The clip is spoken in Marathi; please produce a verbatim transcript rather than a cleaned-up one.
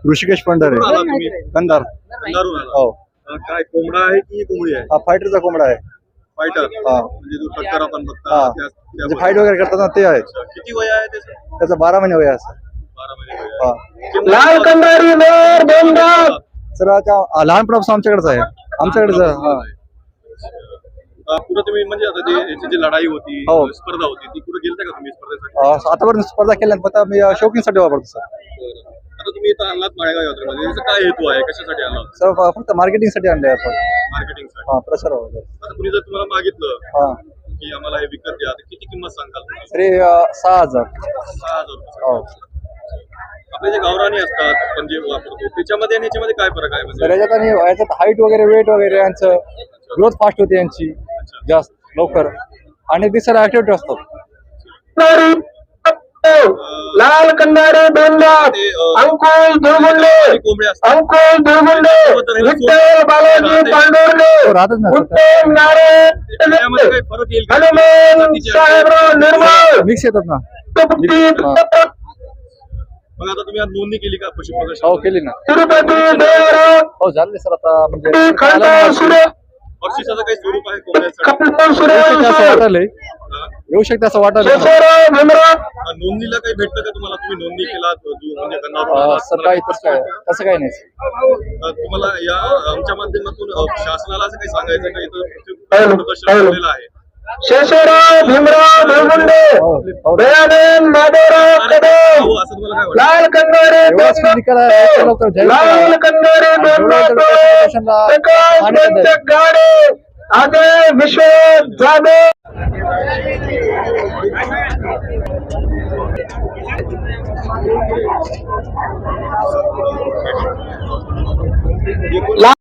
ऋषिकेश पंढरे कुठून आला तुम्ही? कंधार. कंधारहून आला. हो अं, काय कोंबडा आहे की कोंबडी आहे? हा फायटरचा कोंबडा आहे. फायटर हा. म्हणजे जो टक्कर आपण बघता हा त्या- त्या म्हणजे फाईट वगैरे करतात ना ते आहे. अच्छा. किती वय आहे त्याचं? त्याचा बारा महिने वय आहे असं. बारा महिने वय हा आहे. लाल कंधारी मोर दोनदा. सर आता आ, लहानपणापासून आमच्याकडेच आहे. आमच्याकडेच हा पुढे तुम्ही म्हणजे आता ते याची जी लढाई होती हो. स्पर्धा होती ती पुढे गेलता का तुम्ही स्पर्धेसाठी? अ, आतापर्यंत स्पर्धा केल्या नाही, फक्त मी शौकींसाठी वापरतो सर. आता तुम्ही इथं आणलात माळेगाव यात्रेमध्ये याचा काय हेतू आहे, कशासाठी आणला सर फ- फक्त मार्केटिंगसाठी आणले आपण. मार्केटिंगसाठी? हा प्रसार वगैरे. आता कुणी जर तुम्हाला मागितलं हा की आम्हाला हे विकत द्या तर किती किंमत सांगाल तुम्ही? तरी अ, सहा हजार. सहा हजार रुपये. हो आपले जे गावरानी असतात आपण जे वापरतो त्याच्यामध्ये आणि याच्यामध्ये काय फरक आहे तर म्हणजे? याच्यात आणि याच्यात हाईट वगैरे वेट वगैरे यांचं ग्रोथ फास्ट होते यांची जास्त लवकर आणि दिसायला ऍक्टिव्ह असतात. लाल कंधारी दोनदा. ते, अं, अंकुश दुर्गुंडे. आणि कोंबडे असतात अंकुश दुर्गुंडे. विठ्ठल बालाजी पांडुर्णे. हो, राहतच ना सर. उत्तम नारायण. त्याच्यामध्ये काही फरक येईल का? हनुमान जातीचे आहे. साहेबराव निर्मळ. मिक्स येतात ना. तिरुपती मग आता तुम्ही आज नोंदणी केली का पशु प्रदर्शन? हो केली ना. देवराव. हो झाले सर आता म्हणजे खंडा सुरे. बक्षिसाचं काही स्वरूप आहे कोंबड्यासाठी? कपिल सुरे. येऊ शकते असं वाटायलंय. हा? येऊ शकते असं वाटायला. शेषराव भीमराव. हा, नोंदणीला काही भेटतं का तुम्हाला? तुम्ही नोंदणी केला म्हणजे अ, गंगावरून सर काही तसं काय तसं काही नाही. तुम्हाला या आमच्या माध्यमातून अ, शासनाला असं काही सांगायचं का इथं पशु प्रदर्शन ठेवलेलं आहे? शेषराव भीमराव धुळगुंडे. हो हो. दयानंद माधवराव कदम. हो, असं तुम्हाला काय वाटतं? लाल कंगारे एवढाच निकाल आहे, याच्या लवकर जाहीर करा. लाल कंगारे जेवढं तेवढं प्रशासनाला प्रकाश मान्यता द्यावी. पंच गाडे. अजय विश्व जाधव.